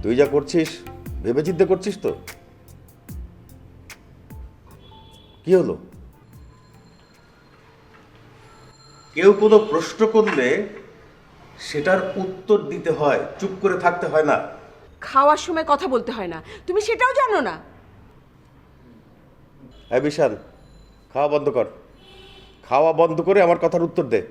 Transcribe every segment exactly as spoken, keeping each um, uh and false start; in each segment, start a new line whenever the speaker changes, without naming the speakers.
তুই যা করছিস ভেবে চিন্তে করছিস তো? কি হলো? কেউ কোনো প্রশ্ন করলে সেটার উত্তর দিতে হয়, চুপ করে থাকতে হয় না।
খাওয়ার সময় কথা বলতে হয় না, তুমি সেটাও জানো না?
হ্যাঁ বিশাল, খাওয়া বন্ধ কর। খাওয়া বন্ধ করে আমার কথার উত্তর দে।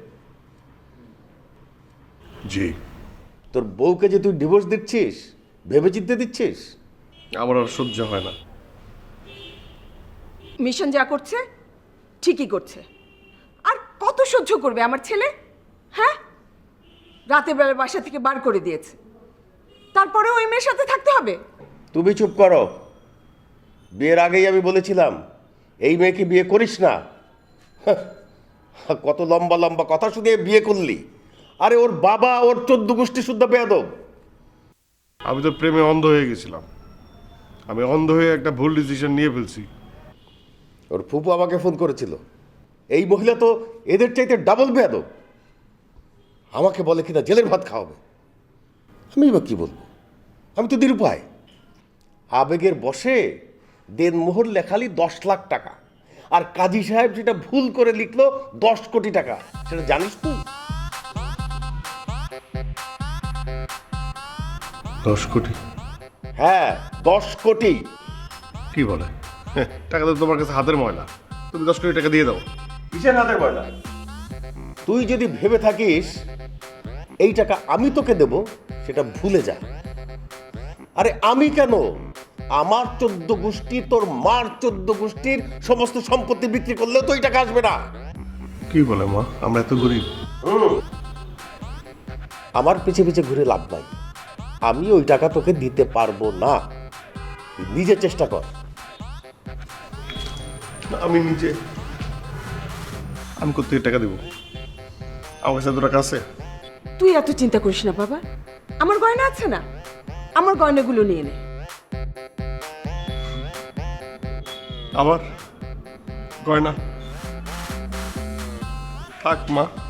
জি।
তোর বউকে যে তুই ডিভোর্স দিচ্ছিস ভেবে চিন্তে দিচ্ছিস?
আমার আর সহ্য হয় না।
মিশন যা করছে ঠিকই করছে। আর কত সহ্য করবে আমার ছেলে? হ্যাঁ, রাতের বেলা বাসা থেকে বার করে দিয়েছে, তারপরে ওই মেয়ের সাথে থাকতে হবে?
তুমি চুপ করো। বিয়ের আগেই আমি বলেছিলাম এই মেয়েকে বিয়ে করিস না। হাহ, কত লম্বা লম্বা কথা শুনে বিয়ে করলি। আরে ওর বাবা ওর চোদ্দ গোষ্ঠী শুদ্ধ বেয়াদব।
আমি তো প্রেমে অন্ধ হয়ে গেছিলাম। আমি অন্ধ হয়ে একটা ভুল ডিসিশন নিয়ে ফেলছি।
ওর ফুপু আমাকে ফোন করেছিল, এই মহিলা তো এদের চাইতে ডাবল বেয়াদব। আমাকে বলে কিনা জেলের ভাত খাওয়াবে। আমি এবার কি বলবো? আমি তো নিরুপায়। আবেগের বশে দেনমোহর লেখালি দশ লাখ টাকা, আর কাজী সাহেব যেটা ভুল করে লিখলো দশ কোটি টাকা। সেটা জানিস তুই?
দশ কোটি?
হ্যাঁ, দশ কোটি।
কি বলে? হ্যাঁ, টাকা তো তোমার কাছে হাতের ময়লা। তুমি দশ কোটি টাকা দিয়ে দাও।
কিসের হাতের ময়লা? তুই যদি ভেবে থাকিস এই টাকা আমি তোকে দেব, সেটা ভুলে যা। আরে আমি কেন, আমার চোদ্দ গোষ্ঠী তোর মার চোদ্দ গোষ্ঠীর সমস্ত সম্পত্তি বিক্রি করলেও তো এই টাকা আসবে না।
কি বলে মা, আমরা এত গরিব?
আমার পিছে পিছে ঘুরে লাভ নাই। আমি ওই টাকা তোকে দিতে পারবো না। তুই নিজে চেষ্টা কর।
আমি নিজে আমি কোথেকে টাকা দেবো? আমার কাছে এত টাকা আছে?
তুই এত চিন্তা করিস না বাবা, আমার গয়না আছে না, আমার গয়নাগুলো নিয়ে নে।
আবার গয়না? থাক মা,